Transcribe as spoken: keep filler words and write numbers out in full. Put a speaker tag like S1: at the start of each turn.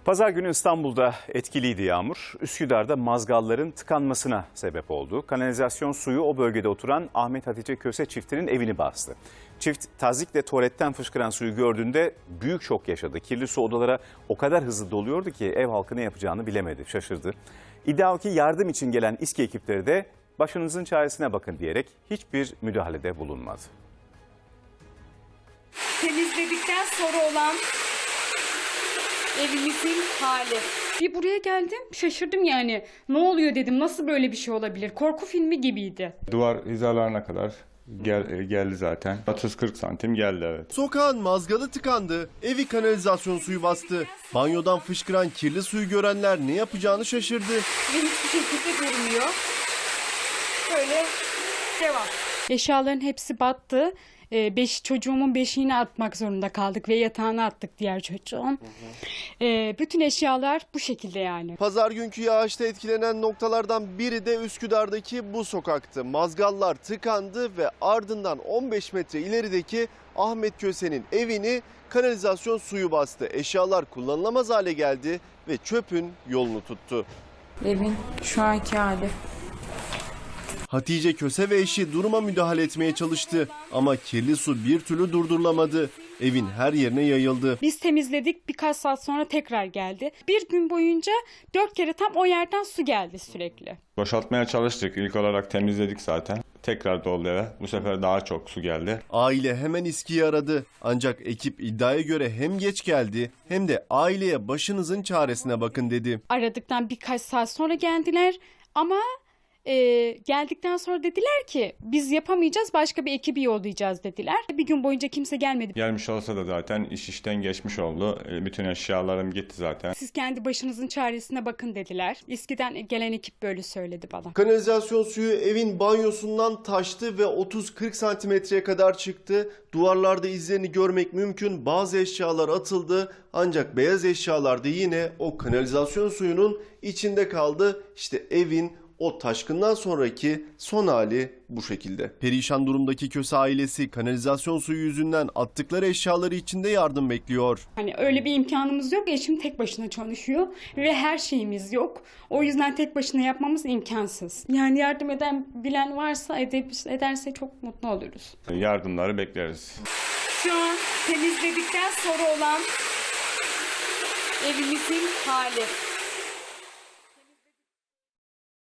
S1: Pazar günü İstanbul'da etkiliydi yağmur. Üsküdar'da mazgalların tıkanmasına sebep oldu. Kanalizasyon suyu o bölgede oturan Ahmet Hatice Köse çiftinin evini bastı. Çift tazikle tuvaletten fışkıran suyu gördüğünde büyük şok yaşadı. Kirli su odalara o kadar hızlı doluyordu ki ev halkı ne yapacağını bilemedi, şaşırdı. İddia o ki yardım için gelen İSKİ ekipleri de başınızın çaresine bakın diyerek hiçbir müdahalede bulunmadı.
S2: Temizledikten sonra olan evimizin hali. Bir buraya geldim, şaşırdım yani. Ne oluyor dedim, nasıl böyle bir şey olabilir? Korku filmi gibiydi.
S3: Duvar hizalarına kadar gel, geldi zaten. otuz kırk santim geldi, evet.
S4: Sokağın mazgalı tıkandı, evi kanalizasyon suyu bastı. Banyodan fışkıran kirli suyu görenler ne yapacağını şaşırdı.
S2: Ve hiçbir şekilde durmuyor. Böyle devam. Eşyaların hepsi battı. Ee, beş, çocuğumun beşiğini atmak zorunda kaldık ve yatağına attık diğer çocuğun. Ee, bütün eşyalar bu şekilde yani.
S4: Pazar günkü yağışta etkilenen noktalardan biri de Üsküdar'daki bu sokaktı. Mazgallar tıkandı ve ardından on beş metre ilerideki Ahmet Köse'nin evini kanalizasyon suyu bastı. Eşyalar kullanılamaz hale geldi ve çöpün yolunu tuttu.
S5: Evin şu anki hali.
S4: Hatice Köse ve eşi duruma müdahale etmeye çalıştı ama kirli su bir türlü durdurulamadı. Evin her yerine yayıldı.
S2: Biz temizledik, birkaç saat sonra tekrar geldi. Bir gün boyunca dört kere tam o yerden su geldi sürekli.
S3: Boşaltmaya çalıştık. İlk olarak temizledik zaten. Tekrar doldu eve. Bu sefer daha çok su geldi.
S4: Aile hemen İSKİ'yi aradı. Ancak ekip iddiaya göre hem geç geldi hem de aileye başınızın çaresine bakın dedi.
S2: Aradıktan birkaç saat sonra geldiler ama e, geldikten sonra dediler ki biz yapamayacağız, başka bir ekibi yollayacağız dediler. Bir gün boyunca kimse gelmedi.
S3: Gelmiş olsa da zaten iş işten geçmiş oldu. Bütün eşyalarım gitti zaten.
S2: Siz kendi başınızın çaresine bakın dediler. İSKİ'den gelen ekip böyle söyledi bana.
S4: Kanalizasyon suyu evin banyosundan taştı ve otuz kırk santimetreye kadar çıktı. Duvarlarda izlerini görmek mümkün. Bazı eşyalar atıldı ancak beyaz eşyalar da yine o kanalizasyon suyunun içinde kaldı. İşte evin o taşkından sonraki son hali bu şekilde. Perişan durumdaki Köse ailesi kanalizasyon suyu yüzünden attıkları eşyaları içinde yardım bekliyor.
S2: Hani öyle bir imkanımız yok. Eşim tek başına çalışıyor ve her şeyimiz yok. O yüzden tek başına yapmamız imkansız. Yani yardım eden bilen varsa edip, ederse çok mutlu oluruz.
S3: Yardımları bekleriz.
S2: Şu an temizledikten sonra olan evimizin hali.